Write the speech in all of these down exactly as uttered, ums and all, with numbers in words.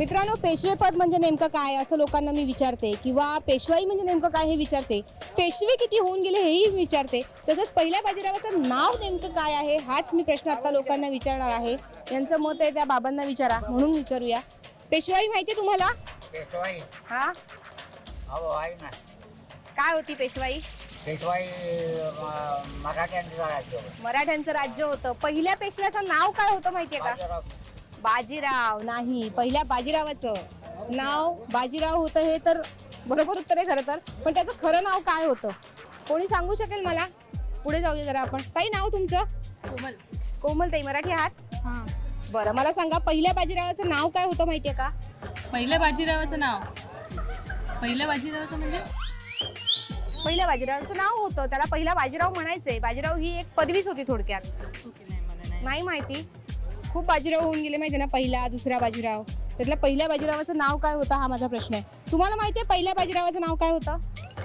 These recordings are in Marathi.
मित्रांनो, पेशवेपद म्हणजे नेमकं काय असं लोकांना मी विचारते, किंवा पेशवाई म्हणजे नेमकं काय हे विचारते, पेशवे किती होऊन गेले हेही विचारते. तसंच पहिल्या बाजीरावाचं नाव नेमकं काय आहे हाच मी प्रश्न आता लोकांना विचारणार आहे. यांचं मत आहे त्या बाबांना विचारा, म्हणून विचारूया. पेशवाई माहिती तुम्हाला? पेशवाई हा, हो आहे ना. काय होती पेशवाई? पेशवाई म- मराठ्यांचं राज्य होतं. मराठ्यांचं राज्य होतं. पहिल्या पेशव्याचं नाव काय होतं माहितीये का? बाजीराव. बाजीराव नाही, पहिल्या बाजीरावाचं नाव बाजीराव होतं. हे तर बरोबर उत्तर आहे खरं तर, पण त्याचं खरं नाव काय होतं कोणी सांगू शकेल मला? पुढे जाऊया जरा आपण. ताई, नाव तुमचं? कोमल. कोमल ताई, मराठी आहात? हां. बरं, मला सांगा पहिल्या बाजीरावाचं नाव काय होतं माहितीये का? पहिल्या बाजीरावाचं नाव पहिल्या बाजीरावाचं म्हणजे पहिल्या बाजीरावाचं नाव होतं, त्याला पहिला बाजीराव म्हणायचंय. बाजीराव ही एक पदवीच होती थोडक्यात. ओके, नाही मला नाही. नाही माहिती? खूप बाजीराव होऊन गेले माहिती ना, पहिला दुसरा बाजीराव. त्यातल्या पहिल्या बाजीरावाचं नाव काय होतं हा माझा प्रश्न आहे. तुम्हाला माहिती आहे पहिल्या बाजीरावाचं नाव काय होतं?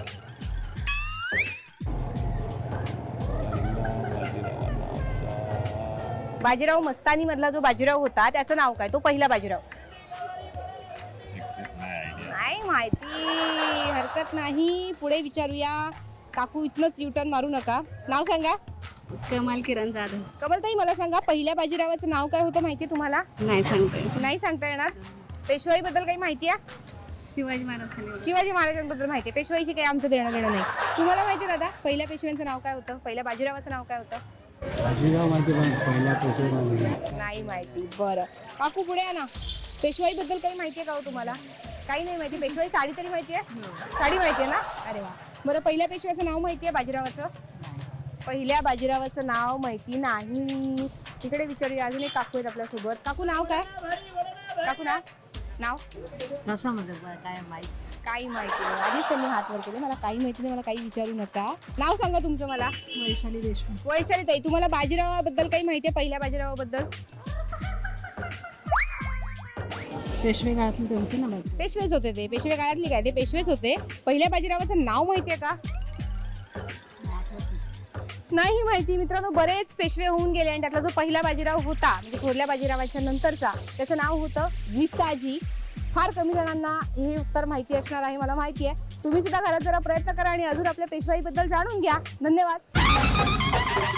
बाजीराव मस्तानी मधला जो बाजीराव होता त्याचं नाव काय? तो पहिला बाजीराव. नाही माहिती, हरकत नाही. पुढे विचारूया. काकू, इथनच युटर्न मारू नका. नाव सांगा. कमाल किरण जाधव. कमलताई, मला सांगा पहिल्या बाजीरावाचं नाव काय होतं माहिती तुम्हाला? नाही सांगते. नाही सांगता येणार. पेशवाई बद्दल काही माहिती आहे? शिवाजी महाराज. शिवाजी महाराजांबद्दल माहिती आहे. पेशवाईशी काही आमचं देणं देणं नाही. तुम्हाला माहिती आहे दादा पहिल्या पेशव्यांचं नाव काय होतं? पहिल्या बाजीरावाचं नाव काय होतं? बाजीराव माहिती, पण पहिला पेशवा नाही माहिती. बरं काकू, पुढे या ना. पेशवाई बद्दल काही माहिती आहे का हो तुम्हाला? काही नाही माहिती. पेशवाई साडी तरी माहिती आहे? साडी माहिती आहे ना? अरे वा. बरं, पहिल्या पेशव्याचं नाव माहिती आहे बाजीरावाचं? पहिल्या बाजीरावाचं नाव माहिती नाही. तिकडे विचारूया. अजून एक काकू आहेत आपल्यासोबत. काकू, नाव काय? काकू, नाव नाव रसामध्ये काय माहिती काही माहिती नाही. आधीच त्यांनी हात वर केले. मला काही माहिती नाही, मला काही विचारू नका. नाव सांगा तुमचं मला. वैशाली देशमुख. वैशाली ताई, तुम्हाला बाजीरावाबद्दल काही माहिती आहे? पहिल्या बाजीरावाबद्दल? पेशवे काळातली ते होते ना बाजी. पेशवेच होते ते. पेशवे काळातली काय? ते पेशवेच होते. पहिल्या बाजीरावाचं नाव माहिती आहे का? नाही माहिती. मित्रांनो, बरेच पेशवे होऊन गेले आणि त्यातला जो पहिला बाजीराव होता म्हणजे थोरल्या बाजीरावाच्या नंतरचा, त्याचं नाव होतं विसाजी. फार कमी जणांना हे उत्तर माहिती असणार आहे, मला माहिती आहे. तुम्ही सुद्धा घरात जरा प्रयत्न करा आणि अजून आपल्या पेशवाईबद्दल जाणून घ्या. धन्यवाद.